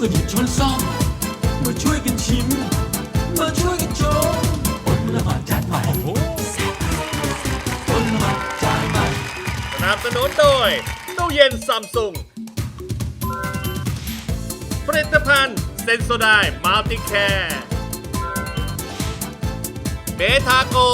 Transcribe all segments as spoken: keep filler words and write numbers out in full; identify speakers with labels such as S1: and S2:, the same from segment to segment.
S1: กันหยิบช้อนซ่อมมาช่วยกันชิมมาช่วยกันชมอดละหมาดจานใหม่อดละหมาดจานใหม่
S2: สนับสนุนโดยตู้เย็นซัมซุงผลิตภัณฑ์เซนโซไดมัลติแคร์เบทาโก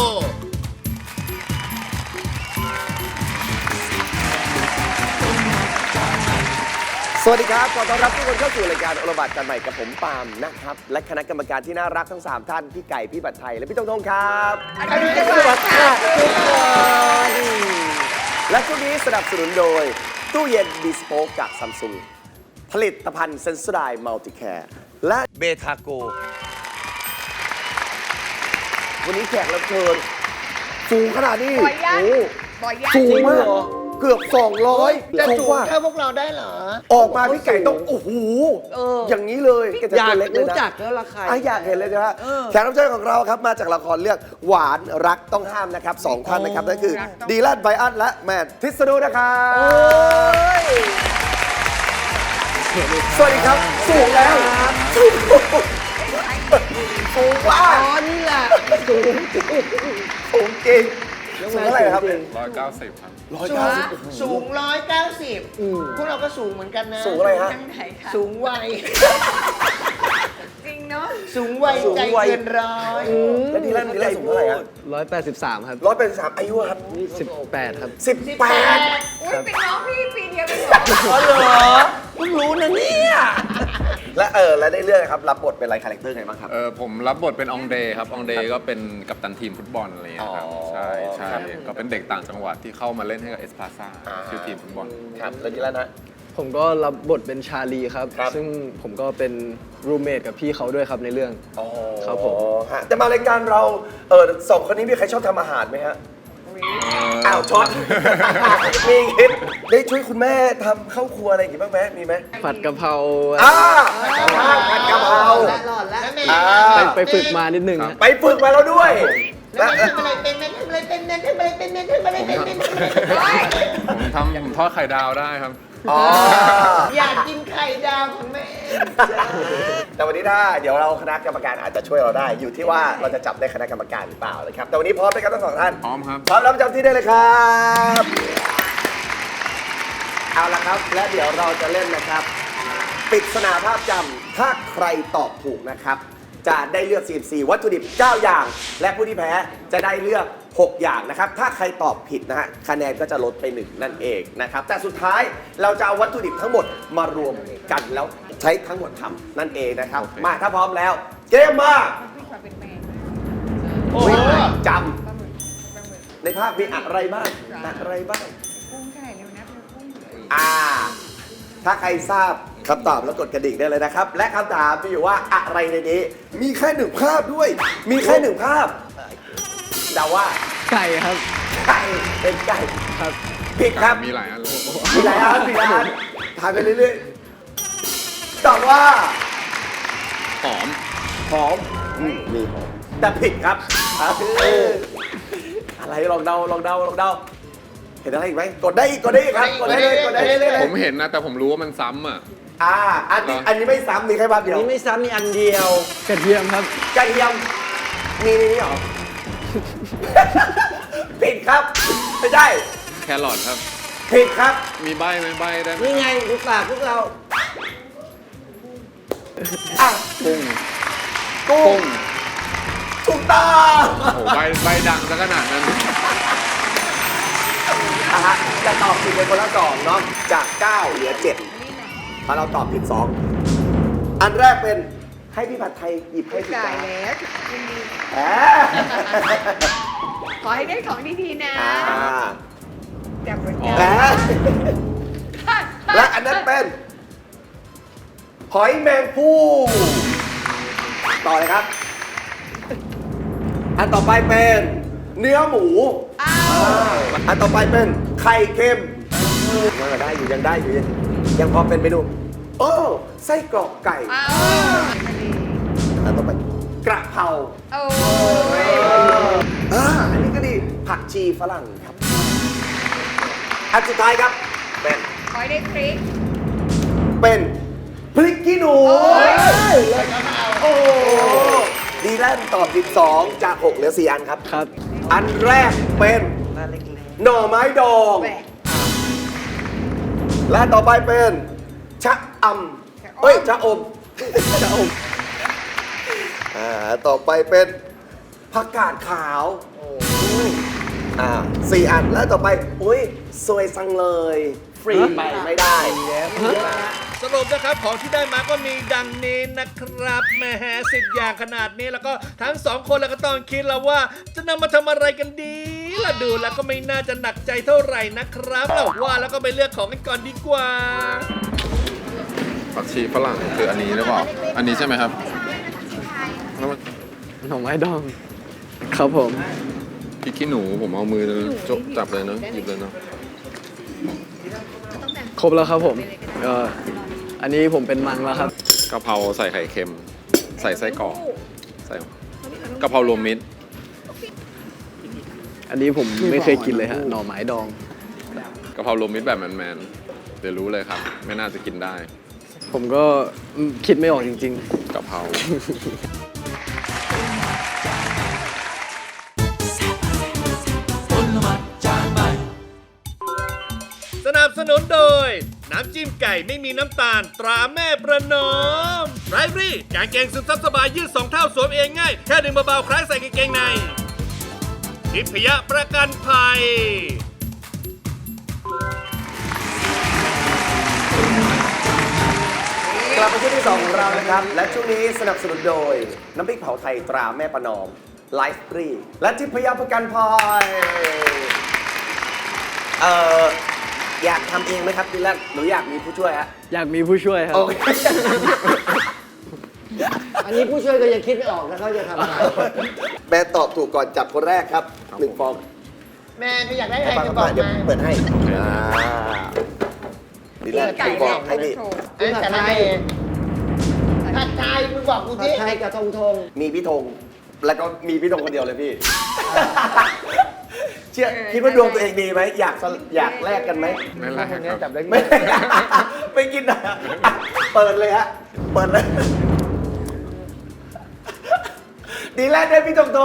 S3: สวัสดีครับขอต้อนรับทุกคนเข้าสู่รายการโอละหมาดจานใหม่กับผมปาล์มนะครับและคณะกรรมการที่น่ารักทั้งสามท่านพี่ไก่พี่บัตรไทยและพี่ตงทงครับสวัสดีครับทุกคนและช่วงนี้สนับสนุนโดยตู้เย็นบีสโป๊กจากซัมซุงผลิตภัณฑ์เซนโซไดมัลติแคร์และเบทาโกวันนี้แขกรับเชิญสูงขนาดนี้
S4: บ่อยยัง
S3: โอ้
S4: บ่อยยัง
S3: สูงมากเกือบสองร้อย
S5: จะ
S3: สู
S5: สู
S3: ง
S5: ง
S3: กว่า
S5: เท่าพวกเราได้เหรอ
S3: ออกมาพี่ไก่ต้องโอ้โห
S5: เออ
S3: อย่างนี้เลยแกจะ
S5: อยา
S3: ตั
S5: ก
S3: วเล็กเลย
S5: รู้
S3: นะ
S5: จักแล้วราคา
S3: อ่ะอยากเห็นเลยนะฮะ
S5: เออ
S3: แขกรับเชิญของเราครับมาจากละครเรื่องหวานรักต้องห้ามนะครับสองท่านนะครับนั่นคือดีแลนไบอันและแมนทิสนูนะครับสวัสดีครับสูงแล้วสูงสูงว่า
S5: อ๋อนี่แหละสูงจริง
S3: สูงจริงสูงเท่าไหร่ครับ
S6: ร้อยเก้าสิบครับ
S3: ร้อย
S5: สู
S3: เก้าง สิบ
S5: สูงร้อยเก้าสิบพวกเราก็สูงเหมือนกันนะ
S3: สูงอะไรฮะ
S4: ทางไหนคะ
S5: สูงวัย
S4: จริงเนาะ
S5: สูงวัยใจเกินร้อย
S3: แล้วดีแลนดีแลนสูงเท่าไหร่ฮะ
S7: ร้อยแปดสิบสามครับ
S3: ร้อยเป็นสามอายุครับ
S7: สิบแปดครับ
S3: สิบแปด
S4: อุ้ยเป็นน้องพี่ปีเดียวกันเหรอ
S3: อ๋อเหรอเพิ่งรู้นะเนี่ยและเออแล้วได้เรื่องครับรับบทเป็นอะไรคาแรคเตอร์ไงบ้างครับ
S6: เออผมรับบทเป็นองเดย์ครับองเดย์ก็เป็นกัปตันทีมฟุตบอลอะไรเงี้ยครับ
S3: อ๋อ
S6: ใช่ใช่
S3: ครับ
S6: ก็เป็นเด็กต่างจังหวัดที่เข้ามาเล่นให้กับเอสพาซ่า
S3: อ่า
S6: ชื่อทีมฟุตบอล
S3: ครับแล้วนี่แล้วนะ
S7: ผมก็รับบทเป็นชาลีครับ
S3: ครับ
S7: ซึ่งผมก็เป็นรูมเมทกับพี่เขาด้วยครับในเรื่อง
S3: อ๋อ
S7: ครับผม
S3: ฮะแต่มารายการเราเออสองคนนี้มีใครชอบทำอาหารไหมฮะอ้าวช็อต มีคิดได้ช่วยคุณแม่ทำข้าวครัวอะไรอย่างงี้บ้างไหมมีไหม
S7: ผัดกะเพรา
S3: อ่าผัดกะเพรา
S5: หลอดแล้วแม่
S3: อ่า
S7: ไปไปฝึกมานิดนึงฮะ
S3: ไปฝึกมาแล้วด้วย
S5: แล้วแม่ทำอะไรเป็นแม่ทำอะไรเป็นแม่ทำอะไรเป็นแม่ทำอะไรเป็นแม่ทำอะไรเป็น
S6: ผมทำผมทอดไข่ดาวได้ครับ
S3: อ๋อ
S5: อยากกินไข่ดาวของแม่
S3: แต่วันนี้ถ้าเดี๋ยวเราคณะกรรมการอาจจะช่วยเราได้ อยู่ที่ว่าเราจะจับได้คณะกรรมการหรือเปล่านะครับแต่วันนี้พร้อมไหมครับทั้งสองท่าน
S6: พร้อมครับ
S3: พร้อมแล้วประจำที่ได้เลยครับเอาละครับและเดี๋ยวเราจะเล่นนะครับปริศนาภาพจำถ้าใครตอบถูกนะครับจะได้เลือก สี่สิบสี่ วัตถุดิบ เก้า อย่าง และผู้ที่แพ้จะได้เลือก หก อย่างนะครับ ถ้าใครตอบผิดนะฮะคะแนนก็จะลดไปหนึ่งนั่นเองนะครับแต่สุดท้ายเราจะเอาวัตถุดิบทั้งหมดมารวมกันแล้วใช้ทั้งหมดทำนั่นเองนะครับ
S6: โอเค
S3: มาถ้าพร้อมแล้ว เกมมา
S4: พี่ขอเป็นแมน
S5: โอ้โห
S3: จ
S4: ปลาหมึกปลาหมึก
S3: ำในภาพมีอะไรบ้างอะไรบ้าง
S4: กุ้งเท่าไหร่เร็วนะเป็นกุ้ง
S3: อ่า ถ้าใครทราบคำตอบแล้วกดกระดิ่งได้เลยนะครับ และคำถามมีอยู่ว่าอะไรในนี้ มีแค่หนึ่งภาพด้วย มีแค่หนึ่งภาพเดาว่า
S7: ไก่ครับ
S3: ไก่เป็นไก่
S7: ครับ
S3: ผิดครับ
S6: มีหลายอันเลย
S3: มีหลายอันมีหลายอันถามไปเรื่อยๆตอบว่า
S6: หอม
S3: หอมอืมมีหอมแต่ผิดครับเอออะไรลองเดาลองเดาลองเดาเห็นอะไรอีกไหมกดได้อีกกดได้อีกครับกดได้เลยกดได้เลย
S6: ผมเห็นนะแต่ผมรู้ว่ามันซ้ำอ่ะ
S3: อ่าอันนี้อันนี้ไม่ซ้ำมีแค่ภาพเดียว
S5: นี่ไม่ซ้ำมีอันเดียว
S7: กระเทียมครับ
S3: กระเทียมมีในนี้เหรอ ผิดครับไม่ใช่
S6: แครอทครับ
S3: ผิดครับ
S6: มีใบไหมใบได้ไหม
S5: นี่ไงดูปากพวกเรา
S3: อ่ะ
S6: กุ้ง
S3: กุ้
S6: กุ้
S3: ง
S6: ง
S3: ถูกต้อง
S6: โอ้โหใบใบดังซะขนาดนั้น
S3: อ่ะฮะจะตอบผิดเป็นคนละสองเนาะจากเก้าเหลือเจ็ด
S4: นี่นะ
S3: ถ้าเราตอบผิดสองอันแรกเป็นให้พี่ผัดไทยหยิบให้ผิด
S4: จ่าย
S3: จาน
S4: แล้วยินดี
S3: แหม
S4: ขอให้ได้ของดีๆนะ
S3: อ่า
S4: จับหัว
S6: อ๋อ
S3: แหม
S4: ใจ
S3: และอันนั้นเป็น หอยแมงภู่ต่อเลยครับ อันต่อไปเป็นเนื้อหมู
S4: อ้า
S3: อ่าว อันต่อไปเป็นไข่เค็มยังได้อยู่ยังได้อยู่ยังยังพอเป็นเมนูโอ้ไส้กรอกไก่
S4: อ้าว
S3: อันต่อไปกระเพรา
S4: โอ้ย
S3: อ่าอันนี้ก็ดีผักชีฝรั่งครับอันสุดท้ายครับเป็น
S4: ขอให้ได้พริก
S3: เป็นพริกขี้หนูโอ้ดีแลนตอบสิบสองจากหกเหลือสี่อันครับ
S7: ครับ
S3: อันแรกเป็นหน่อไม้ดอง
S4: แหวก
S3: และต่อไปเป็นชะอำเอ้ยชะอมชะอมอ่าต่อไปเป็นผักกาดขาวมอ่าสี่อันแล้วต่อไปอุ้ยสวยสังเลย ฟรีไปไม่ได้
S2: สรุปนะครับของที่ได้มาก็มีดังนี้นะครับแหมสิบอย่างขนาดนี้แล้วก็ทั้งสองคนแล้วก็ต้องคิดแล้วว่า จะนำมาทำอะไรกันดีล่ะดูแล้วก็ไม่น่าจะหนักใจเท่าไหร่นะครับเราว่าแล้วก็ไปเลือกของกันก่อนดีกว่า
S6: ผักชีฝรั่งคืออันนี้หรือเปล่า อันนี้ใช่ไหมครับแล้วมัน
S7: หน่อไม้ดอง ครับผม
S6: พริกขี้หนูผมเอามือจบจับเลยเนอะหยิบเลยเนอะ
S7: ครบแล้วครับผมเอ่ออันนี้ผมเป็นมังแล้วครับ
S6: กะเพราใส่ไข่เค็ม ใส่ไส้กรอกใส่กะเพรารวมมิตร
S7: อันนี้ผมไม่เคยกินเลยฮะ หน่อไม้ดอง
S6: กะเพรารวมมิตรแบบแมนๆเดี๋ยวรู้เลยครับ ไม่น่าจะกินได้
S7: ผมก็อืมคิดไม่ออกจริง
S6: กะเพรา
S1: ผลไม้จานใหม่
S2: สนับสนุนโดย น้ำจิ้มไก่ไม่มีน้ำตาล ตราแม่ประนอมไรฟรี่กางเกงซึมซับสบายยืดสองเท่าสวมเองง่าย แค่ดึงเบาๆคล้ายใส่กางเกงในทิพยประกันภัย
S3: กลับมาช่วงที่สองของเรานะครับ และช่วงนี้สนับสนุนโดย น้ำพริกเผาไทยตราแม่ประนอมไลฟ์ฟรีและทิพยประกันภัยเอ่ออยากทำเองไหมครับดิแลนหรืออยากมีผู้ช่วยฮะ
S7: ๆ อยากมีผู้ช่วยครับ
S3: โอเค
S5: อันนี้ผู้ช่วยก็ยังคิดไม่ออกนะเขาจะทำอะไร
S3: แม่ตอบถูกก่อนจับคนแรกครับหนึ่งฟอง
S5: แม่ถ้าอยากได้อะไร
S3: ฟัง
S5: จะบ
S3: ก่
S5: อ
S3: อน
S5: ก
S3: เดี๋ยว
S5: มา
S3: เปิดให้อ่าดิแลน
S4: ไก่
S3: บ
S4: แร
S3: อก
S4: ก
S3: ให้พี่
S4: โชว์
S5: เอ้ยแต่ละเองผัดไทยมึงบอกกูที่ผัดไทยกับทงทง
S3: มีพี่ธงแล้วก็มีพี่ธงคนเดียวเลยพี่ เชื่อคิดว่าดวงตัวเองดีไหมอยากสลอยากแลกกันไหม
S6: ไม่แลกครับ
S5: จับได้
S3: ไม่ ไม่กินนะอ่ะเปิดเลยฮะ เปิดเลย ดีแล้วได้พี่ตรงตรง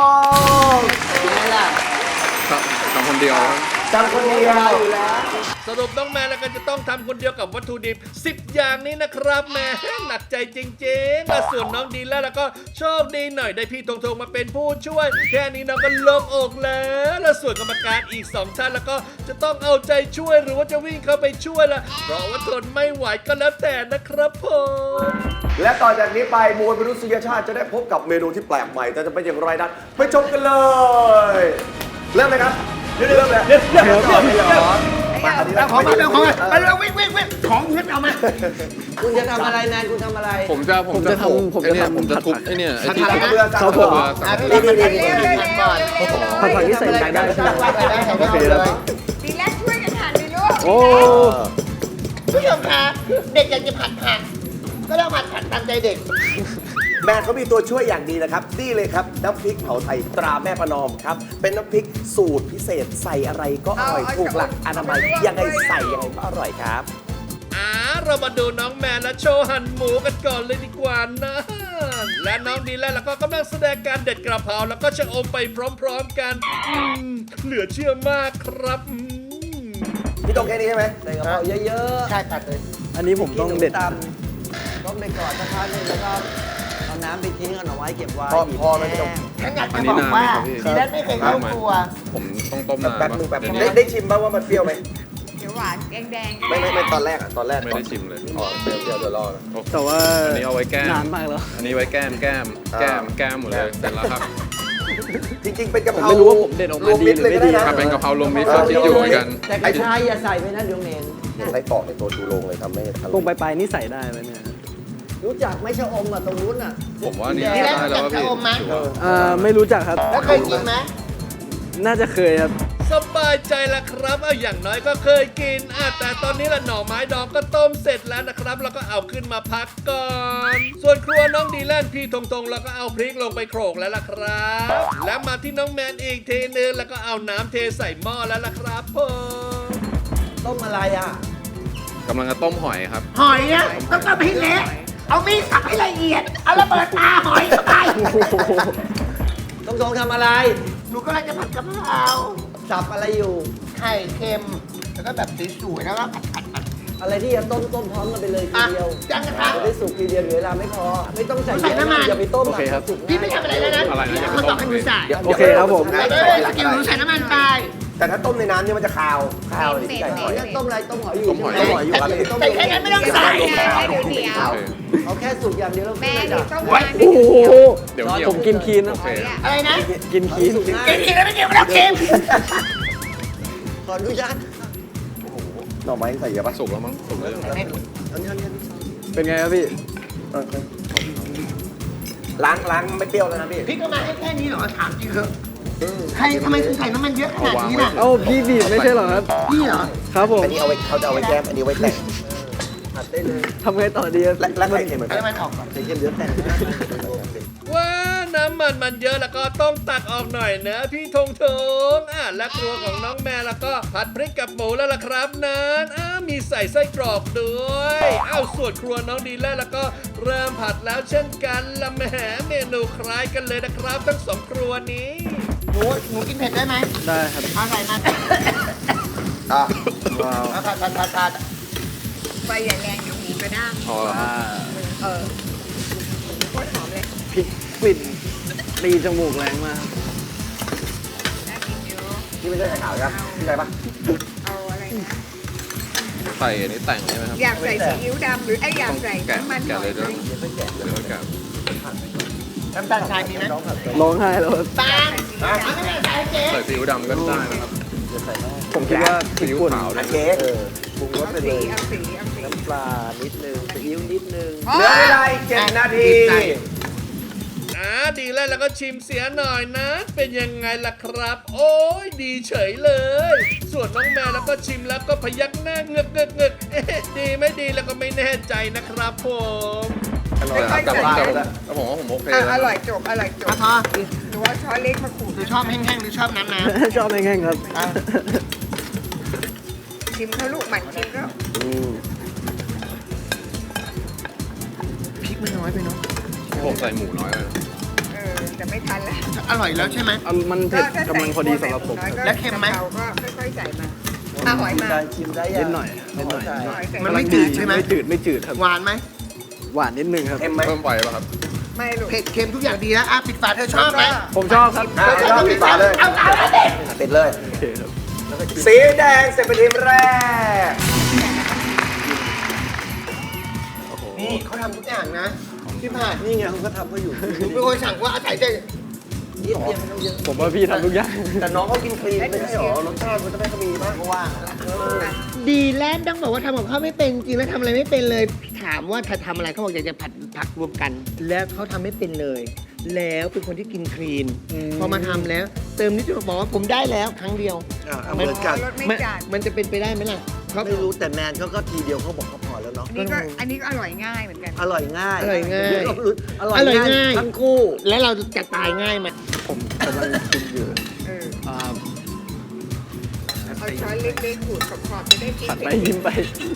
S5: ไม่ล่ะ
S6: ทำคนเดียว
S3: จำคนเดียวอยู่แล้ว
S2: สรุปน้องแมนแล้วก็จะต้องทำคนเดียวกับวัตถุดิบสิบอย่างนี้นะครับแหม่หนักใจจริงๆและส่วนน้องดีแล้วแล้วก็โชคดีหน่อยได้พี่ทงทงมาเป็นผู้ช่วย แค่นี้น้องก็โล่งอกแล้วและส่วนกรรมการอีกสองท่านแล้วก็จะต้องเอาใจช่วยหรือว่าจะวิ่งเข้าไปช่วยละเพราะว่าทนไม่ไหวก็แล้วแต่นะครับผม
S3: และต่อจากนี้ไปมวลมนุษยชาติจะได้พบกับเมนูที่แปลกใหม่แต่จะเป็นอย่างไรนั้นไปชมกันเลย เริ่มเลยครับเริ่มเลยเริ่มเริ่มเริ่มเริ่มมาอันนี้แล้ว
S5: ของมาเร็วของมาไป
S3: เร็
S5: เร็
S3: ว
S5: ววิ่งวิ่งวิ่งของเงินเอามา คุณจะทำอะไรแนนคุณทำอะไร
S6: ผมจะผม
S7: ผมจะ
S6: ทุบ
S7: ทำผม
S6: ไอ้
S7: จะ
S6: เนี่ย
S7: ทำ
S6: ผมจะทุบ
S7: ผัด
S6: ไอ้เนี่ยไอ้
S3: ผัด
S6: ที่
S3: ผักกระเบือ
S7: ครับผม
S3: อ่ะ
S5: นี่
S3: นี่
S5: นี่
S3: นี่
S5: นี่
S3: นี่
S5: นี่ก่อน
S7: ผัดผักที่ใส่ไก่ได้ใช่ไหม
S5: โอเคแล้ว
S4: ดีแล้วช่วยกันหันดิลูก
S7: โอ้
S5: ผู้ชมคะเด็กอยากจะผัดผักก็ต้องผัดผัดตามใจเด็ก
S3: แม่เขามีตัวช่วยอย่างดีนะครับนี่เลยครับน้ำพริกเผาไทยตราแม่ประนอมครับเป็นน้ำพริกสูตรพิเศษใส่อะไรก็อร่อยถูกหลักอนามัยยังไงใส่ยังไงก็อร่อยครับ
S2: อ่าเรามาดูน้องแมนและโชว์หั่นหมูกันก่อนเลยดีกว่านะ และน้องดีแล้วแล้วก็กำลังแสดงการเด็ดกระเพราแล้วก็ชะอมไปพร้อมๆกันอืมเหลือเชื่อมากครับอืม
S3: พี่ตรงแค่นี้ใช่ไหม
S5: ใส่กระเพราเยอะๆใช่ตัดเลย
S7: อันนี้ผมต้องเด็ด
S5: ต้มไปก่อนสักพักหนึงแล้วก็เอาน้ำไปทิ้งเอาหน่อไว้เก็บไว้
S3: พอพอไหมพี่ตรง
S5: ฉันอยาก
S6: อั
S5: จะ
S6: น
S5: บ
S6: นี้
S5: อก
S6: นานไหม
S5: ว่า
S6: ครับพี่
S5: ดีแลนไม่เคยเข้าครัว
S6: ผมต้องต้มนาน
S3: แป๊บนึงแป๊บ
S6: เดี๋ยว
S3: ได้
S6: นี้
S3: ได้ชิมบ้างว่ามันเปรี้ยวไหม
S4: เดี๋ยวหวานแดงๆ
S3: ไม่ไม่ไม่ตอนแรกอ่ะตอนแรก
S6: ไม่ได้ชิมเลย
S3: อ๋อเปรี้ยวเปรี้ยวเดี๋ยวรอนะ
S7: แต่ว่า
S6: อันนี้เอาไว้แก้ม
S7: นานมากแล้ว
S6: อันนี้ไว้แก้มแก้ม
S3: อ่า
S6: แก้มแก้มหมดเลยเสร็จแล้วครับ
S3: จริงๆเป็นกะเพรา
S7: ผมไม่รู้ว่าผมเด็ดออกมาดีหรือไม่ดี
S3: ว
S6: ถ้าเป็นกะเพรารวมมิตรก็คิดอยู่เหมือนกัน
S5: แต่กระชายอย่าใส่ไปนะเดี๋ยวเหม็น
S3: ใส่ปอกในตัวชูโรงเลยทำให้ทำ
S7: ตรงปลายๆนี่ใส่ได้ไหมเนี่ย
S5: รู้จักไหม่ชะอมอ่ะตรงนู้นอ่ะ
S6: ผมว่านี่
S5: ดีแลน
S6: ได้แล้ว
S5: รู้จัก
S6: ว่าพี่
S5: ชะอมไหม
S6: ถือว่า
S7: อ่าไม่รู้จักครับ
S5: แล้วเคยกินไหม
S7: น่าจะเคยครับ
S2: สบายใจละครับเอาอย่างน้อยก็เคยกินอ่ะแต่ตอนนี้ละหน่อไม้ดองก็ต้มเสร็จแล้วนะครับ แล้วก็เอาขึ้นมาพักก่อน ส่วนครัวน้องดีแลนพี่ทงทงแล้วก็เอาพริกลงไปโขลกแล้วล่ะครับ แล้วมาที่น้องแมนอีกทีนึงแล้วก็เอาน้ำเทใส่หม้อแล้วล่ะครับผม
S5: ต้มอะไรอ่ะ
S6: กำลังจะต้มหอยครับ
S5: หอยนะต้องต้มให้เละเอามีดสับให้ละเอียด เอาระเบิดตาหอยเข้าไป
S3: ต้องทงทำอะไร
S5: หนูก็เลยจะผัดกะเพรา
S3: สับอะไรอยู่
S5: ไข่เค็ม แล้วก็แบบสวยๆแล้วก็ผัดผัดผัด
S3: อะไรที่จะต้มต้มพร้อมกันไปเลยที
S5: อ่ะ
S3: เดียว
S5: จ้างกระทะ
S3: จะได้สุกทีเดียวเหลือเวลาไม่พอ ไม่ต้องใส่
S5: ใส่น้ำมัน
S3: อย่าไปต้ม
S7: โอเคครับ
S3: สุก
S5: พี่ไม่ทำอะไรแล้วนะ
S6: อะไรนะ
S5: พี่คนบอกให้หนูใส่
S7: โอเคครับผม
S5: ใส่เลยสกิลหนูใส่น้ำมันไป
S3: แต่ถ้าต้มในน้ำเนี่ยมันจะคาวคาวดิไก่หอยต้มอะไรต้มหอยอยู่
S6: ต้มหอย
S3: ต้มหอยอยู่ครับ
S5: ใส่แค่นั้นไม่ต้องใส่
S4: ให้ดูเดียว
S6: โอเค
S3: เอาแค่สุกอย่างเดียวแล้ว
S4: แม่
S3: ขึ้น
S4: ดิ
S3: เลย
S4: ต้
S3: จ้ะ
S4: มมา
S7: โอ้โห
S6: เดี๋ยวเหี่ยว
S7: ผมกินคีนนะ
S6: โอเค
S5: อะไรนะ
S7: กินคีน
S5: กินทีแล้วไม่กินไม่ต้องกิน
S3: ขออนุญาตหน่อไม้ใส่เยอะปะ
S6: สุกแล้วมั้งสุกแล้ว
S3: อันนี้อันนี้อันนี้
S7: เป็นไงครับพี่
S3: เออล้างล้างไม่เปรี้ยวแล้วนะพี่
S5: พี่ก็มาให้แค่นี้เหรอถามจริงเถอะใครทำไมถึงใส่น้ำมันเยอะขนาดนี้ล่ะ
S7: เอ้าพี่บีบไม่ใช่เหรอครับ
S5: พี่เหรอ
S7: ครับผม
S3: อันนี้เอาไว้เขาจะเอาไว้แก้มอันนี้ไว้แต่งผัดได้เลย
S7: ทำไงต่อดีครับ
S3: และและไข่เค็มเหมือน
S5: เอา
S3: กัน
S5: น้ำมันออกก่อน
S3: ไข่เค็มเยอะแต่ง
S2: ว้าน้ำมันมันเยอะแล้วก็ต้องตักออกหน่อยนะพี่ธงธงอ่ะและครัวของน้องแม่แล้วก็ผัดพริกกับหมูแล้วล่ะครับนั้นอ้ามีใส่ไส้กรอกด้วยอ้าวส่วนครัวน้องดีแล้วแล้วก็เริ่มผัดแล้วเช่นกันละแหมเมนูคล้ายกันเลยนะครับทั้งสองครัวนี้
S5: หนูหนูกินเผ็ดได้ไหม
S7: ได้ครับ
S5: เอาใส่มา
S3: อ่ะ
S5: เอาผัดผัดผัดผัด
S4: ไฟอย่าแรงเดี๋ยวหมูกระด้าง
S6: พอแล้วครับ
S4: เออโคตรหอมเลย
S7: พริกกลิ่นตีจมูกแรงมาก
S4: น่ากินอยู่
S3: นี่ไม่ใช่ไข่ขาวครับใช่ปะ
S4: เอาอะไรนะ
S6: ใส่อันนี้แต่งใช่ไหมครับ
S4: อยากใส่ซีอิ๊วดำหรือไอ้อยากใส่
S6: แกะ
S4: น้ำมันห
S6: แกะ
S4: น่อ
S6: เลย ย
S4: ไห
S6: ด้
S4: ม
S6: วยเดี๋ยวค่อยแกะ
S5: น้ำตาลทรายมีไหม
S7: ร้องไห้แล้วครับ
S5: ตาลเอาไม่ได้ใส่เจ๊
S6: ใส่ซีอิ๊วดำก็ได้นะครับ
S7: ผมคิดว่าพริก
S6: ซีอิ๊ว
S7: ป่น
S6: ขาวด้
S3: อั
S6: วน ย
S3: เค้กปรุงรส
S4: เอา
S3: ไปเล
S4: สี
S3: ย
S4: เอาสีเอาสี
S3: น้ำปลานิดนึงซีอิ๊วนิดนึง
S4: อ๋อ
S3: เหลือเวลาอีกเจ็ดนาที
S2: อ่าดีแล้วแล้วก็ชิมเสียหน่อยนะ เป็นยังไงล่ะครับ โอ้ยดีเฉยเลย ส่วนน้องแมวแล้วก็ชิมแล้วก็พยักหน้าเงึกเงึกเงึกเอ๊ะดีไม่ดีแล้วก็ไม่แน่ใจนะครับผม
S3: อร่อย
S6: แต่
S3: แต่
S6: แต่
S3: ว่า
S6: แต่แต่ผมว่าผมโอเค
S4: อ่ะ
S6: แล้ว
S4: อร่อยจบอร่อยจบ
S5: อ่ะพอ
S4: หนูว่าช้อนเล็กมาขูด
S5: หรือชอบแห้งๆหรือชอบน้ำน้
S7: ชอบแห้งๆครับ
S5: ำอ่ะ
S4: ชิมเขาลูกหมันชิมเขา
S5: พริกมันน้อยไปเนาะ
S6: ผมใส่หมูน้อยเลย
S4: เออแต่ไม่ทันแล้ว
S5: อร่อยแล้วใช่ไหม
S7: อ่ะมันเผ็ดกำลังพอดีสำหรับผม
S4: น้อยก็
S5: แล้วเค็มไหม
S4: กะพราก็ค่อยๆใส่มาอ่ะหอยมา
S3: ชิมได้
S7: นิดหน่อยนิดหน่อย
S3: ใช่
S4: หอยใส่
S5: มันไม่จืดใช่ไหม
S7: ไม่จืดไม่จืดครับ
S5: หวานไหม
S7: หวานนิดนึงครับ
S3: เค็มไหม
S6: เพิ่มไฟป่ะครับ
S4: ไม่ลูก
S5: เผ็ดเค็มทุกอย่างดีแล้วอ่ะปิดฝาเธอชอบไหม
S7: ผมชอบครับ
S3: อ่ะชอบปิดฝาเลย
S5: เอาเอาเอาเด็ด
S3: ปิดเลย
S7: โอเคครับ
S3: สีแดงเสร็จเป็นทีมแรก
S5: นี่เขาทำทุกอย่างนะพี่ผ่าน
S3: นี่ไงเขาก็ทำเขาอยู่
S5: หนูเป็นคนสั่งว่าอาศัยใจ
S3: นิดเดียวไม่ต้องเยอะ
S7: ผมว่าพี่ทำทุกอย่าง
S3: แต่น้องเขากินคลีนไม่ใช่หรอรสชาติมันจะไม่ค่อยมีบ้างเพราะว่า
S5: ดีแลนด์ต้องบอกว่าทำกับข้าวไม่เป็นจริงแล้วทำอะไรไม่เป็นเลย ถามว่าถ้าทำอะไรเขาบอกอยากจะผัดผักรวมกัน แล้วเขาทำไม่เป็นเลย แล้วเป็นคนที่กินคลีน พอมาทำแล้ว เติมนิดเดียวบอกว่าผมได้แล้วครั้งเดียว
S3: อ่ะเหมือนกัน
S4: รสไม่
S5: มัน
S4: จัด
S5: มันจะเป็นไปได้ไหมล่ะเขา
S3: ไม่รู้แต่แมนเขาก็ทีเดียวเขาบอกเขาพอแล้วเนาะ
S4: อันนี้ก็อันนี้ก็อร่อยง่ายเหมือนกัน
S3: อร่อยง่าย
S5: อร่อยง่าย
S3: ก็รู้อร่อย
S5: อร่อย
S3: ง่าย
S5: ง่าย
S3: ทั้งคู่
S5: แล้วเราจะตายง่ายไหม
S7: ผมกำลังกินอยู่
S4: เออ
S7: อ่า
S4: เอาช้อนเล็กๆขูดขอบๆจะได้กิน
S7: ผัดไปยิ้มไป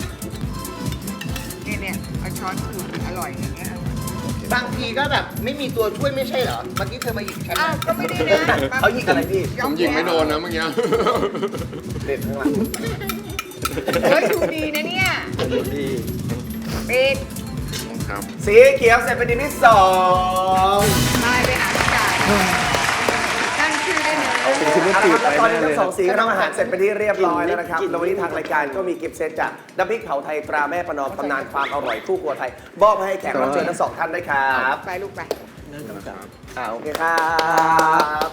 S4: เนี่ยเนี่ยเอาช้อนขูดอร่อยอย่างเงี้ยอร่อย
S5: บางทีก็แบบไม่มีตัวช่วยไม่ใช่เหรอเมื่อกี้เธอมาหยิบฉัน
S4: อ้าวก็ไม่ได้นะ
S3: เขายิงอะไรพี่
S6: ผมยิงไม่โดนนะเมื่อกี้
S3: เด็ดข้างหลัง
S4: เฮ้ยดูดีนะเนี่ย
S3: ดูดี
S4: ปิด
S6: ครับ
S3: สีเขียวเสร็จเป็นทีมที่สอง
S4: มาไปหาพี่จ่ายตั้งชื่อได้ไหม
S3: เอาละครับแล้วตอนนี้ทั้งสองสีก็ทำอาหารเสร็จเป็นที่เรียบร้อยแล้วนะครับแล้ววันนี้ทางรายการก็มีกิฟต์เซตจากน้ำพริกเผาไทยตราแม่ประนอมตำนานความอร่อยคู่ครัวไทยมอบให้แขกรับเชิญทั้งสองท่านด้วยครับ
S4: ไปลูกไป
S3: อ่าโอเคครับ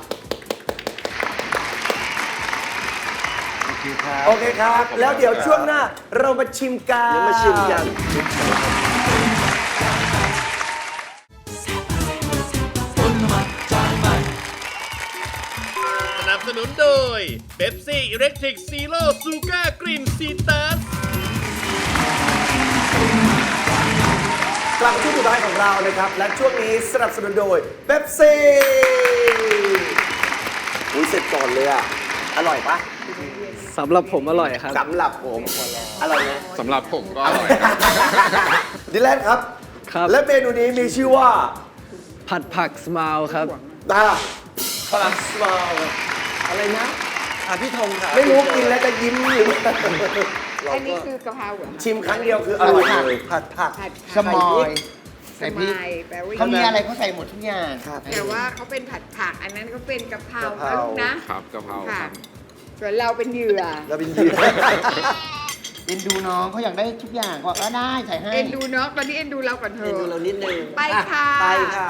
S3: โอเคครับ แล้วเดี๋ยวช่วงหน้าเรามาชิมกันมาชิมกัน
S2: สนับสนุนโดยเบปซี่อิเล็กทริกซีโร่ซูก้ากรีนซีตัส
S3: กลับมาช่วงสุดท้ายของเรานะครับ และช่วงนี้สนับสนุนโดยเป๊ปซี่อุ้ยเสร็จก่อนเลยอ่ะ อร่อยปะ
S7: สำหรับผมอร่อยครับ
S3: สำหรับผมอร่อยไหม
S6: สำหรับผมก็อร่อย
S3: ดิแลนครับ
S7: ครับ
S3: และเมนูนี้มีชื่อว่า
S7: ผัดผักสมายครับ
S3: ตาพลังสมาล
S5: อะไรนะอ่ะพี่ธงค่ะ
S3: ไม่รู้กินแล้วจะยิ้มหรือ
S4: อันนี้คือกะเพราเหรอ
S3: ชิมครั้งเดียวคืออร่อยเลย
S5: ผัดผัก
S4: ผัด
S5: สมอยใส่
S4: ส
S5: พริก
S4: มายแปลว่า
S5: เขามีอะไรเขาใส่หมดทุกอย่าง
S4: แต่ว่าเขาเป็นผัดผัก อันนั้นเขาเป็นกะเพราก
S3: ะเพรา
S4: นะลูกนะ
S6: ครับกะเพรา
S4: ค่ะ
S6: ครับ
S4: ส่วนเราเป็นเหยื่อ
S3: เราเป็นยืน
S5: เอ็นดูน้องเขาอยากได้ทุกอย่างก็ได้ใส่ให้
S4: เอ็นดูเนาะตอนนี้เอ็นดูเราก่อนเถ
S5: เอ็นดูเรา
S4: อะ
S5: นิดนึง
S4: ไปค่ะ
S5: ไปค่ะ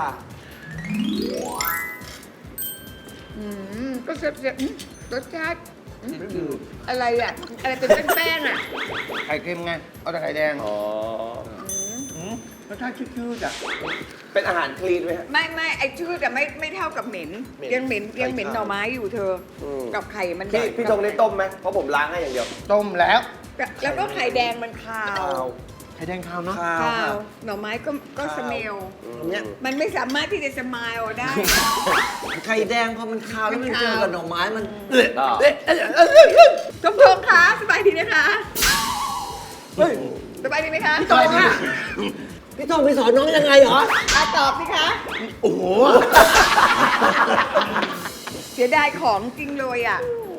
S4: อืมก็เสียบเสียบอืมรสชาติอืมอะไรอ่ะ อะไรเป็นแป้งๆอ่ะ
S5: ไข่เค็มไง เอาแต่ไข่แดง
S3: อ๋อ
S5: หืมรสชาติชืดๆอ่ะ
S3: เป็นอาหารคลีนไหมฮะ
S4: ไม่ไม่ไอชื่อแต่ไม่ไม่เท่ากับเหม็น
S3: เหม็น
S4: ยังเหม็นยังเหม็นหน่อไม้อยู่เธออ
S3: ม
S4: กับไข่มัน
S3: พี่พี่ธงได้ต้มไหมเพราะผมล้างให้อย่างเดียว
S5: ต้มแล้ว
S4: แล้วก็ไข่แดงมันคาว
S5: ไข่แดงขาวเนาะ
S4: คาวหน่อไม้ก็ก็สเมล
S5: เนี่ย
S4: มันไม่สามารถที่จะสมายออกได้
S5: ไข่แดงพอมันขาวแล้วมัน
S4: มัน
S5: เจ
S4: คาว
S5: อกับหน่อไม้มัน
S4: ทงทงคะสบายดีนะคะสบายดีไหมคะ
S5: ตอบค่ะพี่ทองไปสอนน้องยังไงเหรอ
S4: อ่ะตอบสิคะ
S5: โอ้โห
S4: เสียดายของจริงเลยอ่ะ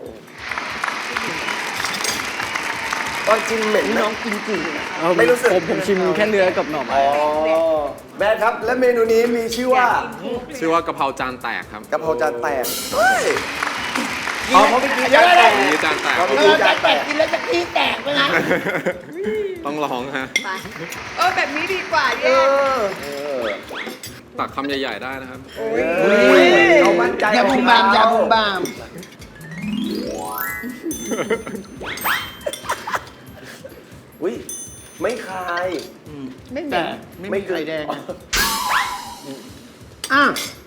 S3: ตอนชิมเหม็นไหม
S5: น้องกินจืดอะ
S3: ไม่รู้สึก
S7: ผมผมชิมแค่เนื้อกับหน่อไม้
S3: อ๋อแม่ครับ และเมนูนี้มีชื่อว่า
S6: ชื่อว่ากะเพราจานแตกครับ
S3: กะเพราจานแตกเฮ้ยอ๋อเพราะเมื่อกี้จานแตก
S6: นี่จานแตก
S3: เพราะเมื่อกี้จานแตก
S5: กินแล้วจะขี้แตกไหมนะ
S6: ต้องลองฮะ
S4: ไปเออแบบนี้ดีกว่า
S3: เอ
S4: แย่
S3: อเออ
S6: ตักคำใหญ่ๆได้นะครับ
S4: โอ้ย
S3: เขามั่นใจ
S5: อย่าบุมบามอย่าบุมบาม
S3: อุ้ยไม่คาย
S4: ไม่เหม็
S5: แต่
S4: น
S5: ไม่มีไข่แดงอะอ่ะ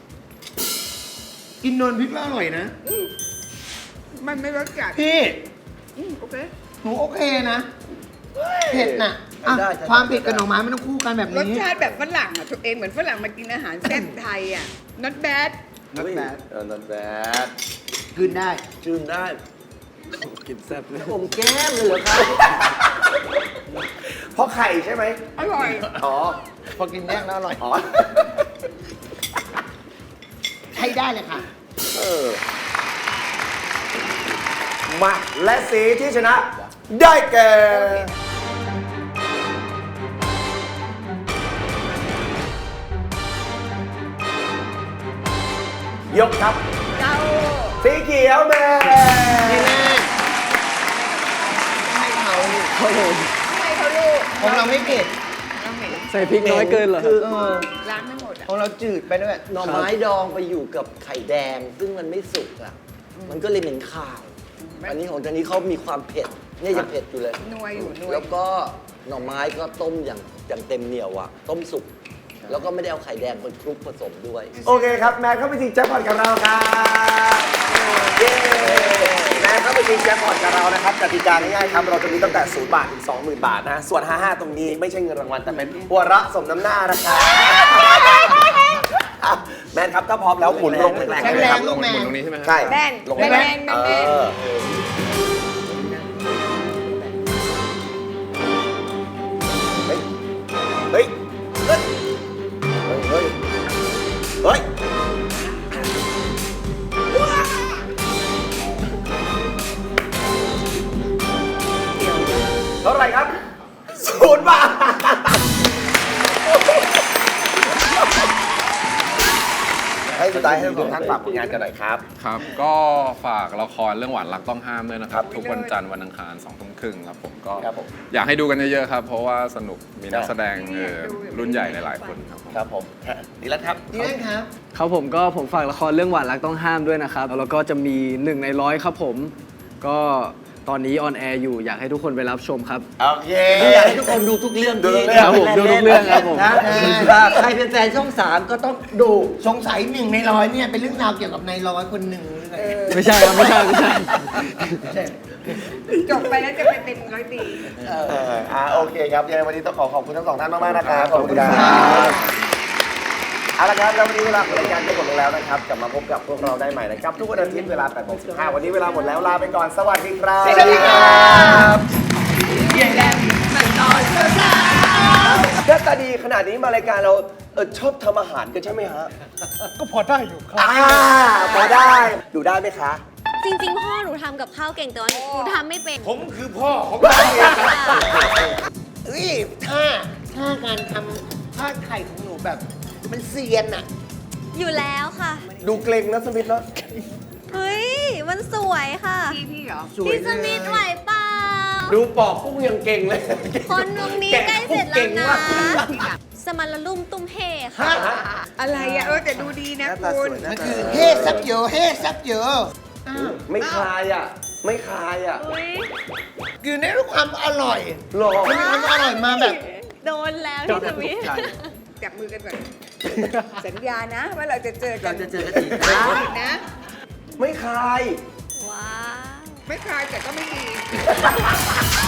S5: กินนวลพริกแล้วอร่อยนะ
S4: มันไม่รสจัด
S5: พี่
S4: อืมโอเค
S5: หนูโอเคนะเผ็ดน่ะอ่ะความเผ็ดกับหน่อไม้มันต้องคู่กันแบบ
S4: รส
S5: นี้
S4: ชาติแบบฝรั่งอ่ะตัวเองเหมือนฝรั่งมากินอาหารแซ่บไทยอ่ะ not bad
S5: not bad
S3: เออ not bad
S5: คืนได้
S3: จืนได้
S7: กินแซ่บเลย
S5: ผมแก้มเลยเหรอครับ
S3: เพราะไข่ใช่ไหม
S4: อร่อย
S3: อ๋อ
S5: พอกินแยกแล้วอร่อย
S3: อ๋อ
S5: ใช้ได้เลยค่ะ
S3: เออ มาและสีที่ชนะ ได้แก่ ยกครับ
S4: เจ้า
S3: สีเขียวแม่
S5: นี่แน่ให้เขา
S7: ครับผม
S4: ทำไมเขาลูก
S5: ของเราไม่เผ็ด
S4: เราเหม็น
S7: ใส่พริกน้อยเกินเหรอค
S5: คื
S7: รับ
S5: อเออ
S4: ล้างไม่หมดอ่ะ
S5: ของเราจืดไปด้วย
S8: หน่อไม้ดองไปอยู่กับไข่แดง ซึ่งมันไม่สุกอ่ะ มันก็เลยเหม็นข่าว อันนี้ของจานนี้เขามีความเผ็ด เนี่ยยังเผ็ดอยู่เลย
S4: นัวอยู่นัว
S8: แล้วก็หน่อไม้ก็ต้มอย่างอย่างเต็มเหนียวอ่ะ ต้มสุก แล้วก็ไม่ได้เอาไข่แดงมาคลุกผสมด้วย
S3: โอเคครับ แม่เข้าไปชิงแจ็คพอตกับเราครับเย้แม่เข้าไปชิงแจ็คพอตกับเรานะครับกติกาง่ายๆครับ เราจะมีตั้งแต่ศูนย์บาทถึงสองหมื่นบาทนะ ส่วน ห้าห้า ตรงนี้ไม่ใช่เงินรางวัลแต่เป็นหัวเราะสมน้ำหน้านะครับอ่ะแมนครับถ้าพร้อมแล้วหมุนลงแรงๆ
S5: แข็ง
S3: เลย
S5: แร
S3: ครั
S5: ง
S3: บ
S5: ลูกแม
S6: หมุน
S5: น
S6: ตรงนี้ใช่ไหมครับ
S3: ใช่
S4: แน่น
S3: ลง
S4: แน่น
S3: แรง
S4: แน่น
S3: ๆเอ
S4: แน่น
S3: อเฮ้ย เฮ้ย เฮ้ย เฮ้ย เฮ้ย เท่าไหร่ครับศูนย์บาทให้สุดท้ายให้ทุกท่านฝากผลงานกันหน่อยครับ
S6: ครับ ก็ฝากละครเรื่องหวานรักต้องห้ามด้วยนะครับ ทุกวันจันทร์วันอังคารสองทุ่มครึ่งครับผมก็
S3: ครับผม
S6: อยากให้ดูกันเยอะๆครับ เพราะว่าสนุกมีนัก
S3: ครับ
S6: แสดงเอ่อรุ่นใหญ่หลายๆคนครับผม
S3: ครับผมดีแล้วครับ
S5: ดีแน่ครับ
S7: ครับผมก็ผมฝากละครเรื่องหวานรักต้องห้ามด้วยนะครับ แล้วก็จะมีหนึ่งในร้อยครับผม ก็ตอนนี้ออนแอร์อยู่อยากให้ทุกคนไปรับชมครับ
S3: โอเค
S8: อยากให้ทุกคนดูทุกเรื่อง
S3: ดูทุ
S8: ที่
S3: กเรื่อง
S7: ครับผมดูทุกเรื่องครับผม
S8: นะถ้าใครเป็นแฟนช่องสามก็ต้องดู
S5: สงสัยหนึ่งในร้อยเนี่ยเป็นเรื่องราวเกี่ยวกับนายร้อยคนหนึ่งหรือไง
S7: ไม่ใช่ครับ ไม่ใช่ไม่ใช่
S4: จบไปแล้วจะไปเป็นร้อยปี
S3: เอออ่าโอเคครับยังไงวันนี้ต้องขอขอบคุณทั้งสองท่านมากๆนะครับ ขอบคุณครับเอาละครับแล้ววันนี้เวลาของรายการก็หมดลงแล้วนะครับ กลับมาพบกับพวกเราได้ใหม่นะครับ ทุกวันอาทิตย์เวลาแปดโมงสิบห้าวันนี้เวลาหมดแล้วลาไปก่อน สวัสดีครับ
S4: สวัสดีครับ
S3: หน้าตาดีขนาดนี้มารายการเราเออชอบทำอาหารกันใช่ไหมฮะ
S9: ก็พอได้อยู่ครับ
S3: อ่าพอได้ดูได้ไหมคะ
S10: จริงๆ พ่อหนูทำกับข้าวเก่งแต่ว่าหนูทำไม่เป็น
S2: ผมคือพ่อของเราเอง
S5: เอ้ยท่าท่าการทำทอดไข่ของหนูแบบ มันเซียนอะ
S10: อยู่แล้วค่ะ
S3: ดูเกรงนะสมิธเนาะ
S10: เฮ้ย มันสวยค่ะ
S4: พี่พี่เหรอ
S5: สวย
S10: พี่ส
S5: เล
S10: มิธ
S5: ย
S10: ไหวเปล่า
S3: ดูปอกกุ้งยังเก่งเลย
S10: คนตรงนี้ใกล้เสร็จแล้วนะ สมันละลุ่มตุ้มเฮค่ะ
S4: อะไรอ่ะเออแต่ดูดีนะ
S3: หน้าตา
S4: คุ
S3: ส
S4: ณ
S3: วยนะ
S5: มันคือเฮ้ซับเยอะเฮ้ซับเยอะ
S3: ไม่คลายอ่ะ ไม่คลายอ่ะ
S5: คือในรูปความอร่อย
S3: หรอ
S5: มันมีความอร่อยมาแบบ
S10: โดนแล้วพี่สมิธ
S4: จับมือกันก่อน สัญญานะ ว่าเราจะเจอกัน
S5: เราจะเจอกันอีก
S4: นะ
S3: ไม่คลาย
S10: ว้าว
S4: ไม่คลายแต่ก็ไม่ดี